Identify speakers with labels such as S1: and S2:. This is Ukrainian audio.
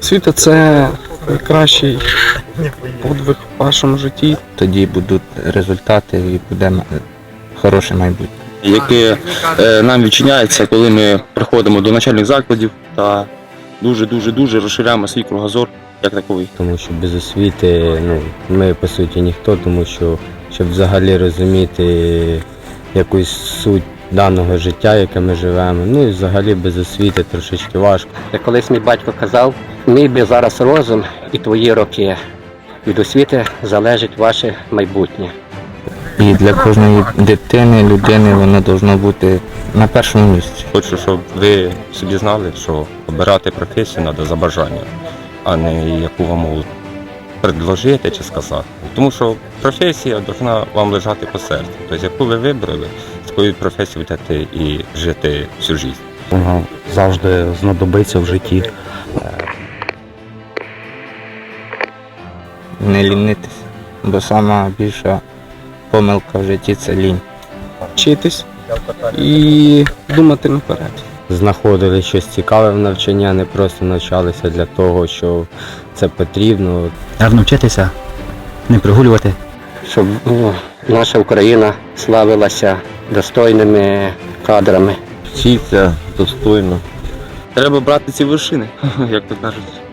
S1: Освіта – це найкращий подвиг в вашому житті.
S2: Тоді будуть результати і буде хороше майбутнє.
S3: Яке нам відчиняється, коли ми приходимо до навчальних закладів та дуже розширяємо свій кругозор як таковий.
S4: Тому що без освіти ми по суті ніхто, тому що щоб взагалі розуміти якусь суть даного життя, яке ми живемо, і взагалі без освіти трошечки важко.
S5: Як колись мій батько казав, мій би зараз розум і твої роки. Від освіти залежить ваше майбутнє.
S2: І для кожної дитини, людини воно повинно бути на першому місці.
S6: Хочу, щоб ви собі знали, що обирати професію треба за бажанням, а не яку вам можуть предложити чи сказати. Тому що професія повинна вам лежати по серцю. Тобто, яку ви вибрали, з такою професією будете і жити всю життя.
S7: Воно завжди знадобиться в житті.
S2: Не лінитись, бо сама більша помилка в житті – це лінь.
S1: Вчитись і думати наперед.
S4: Знаходили щось цікаве в навчанні, а не просто навчалися для того, що це потрібно.
S7: Гарно вчитися, не прогулювати.
S5: Щоб наша Україна славилася достойними кадрами.
S3: Вчиться достойно. Треба брати ці вершини, як то кажуть.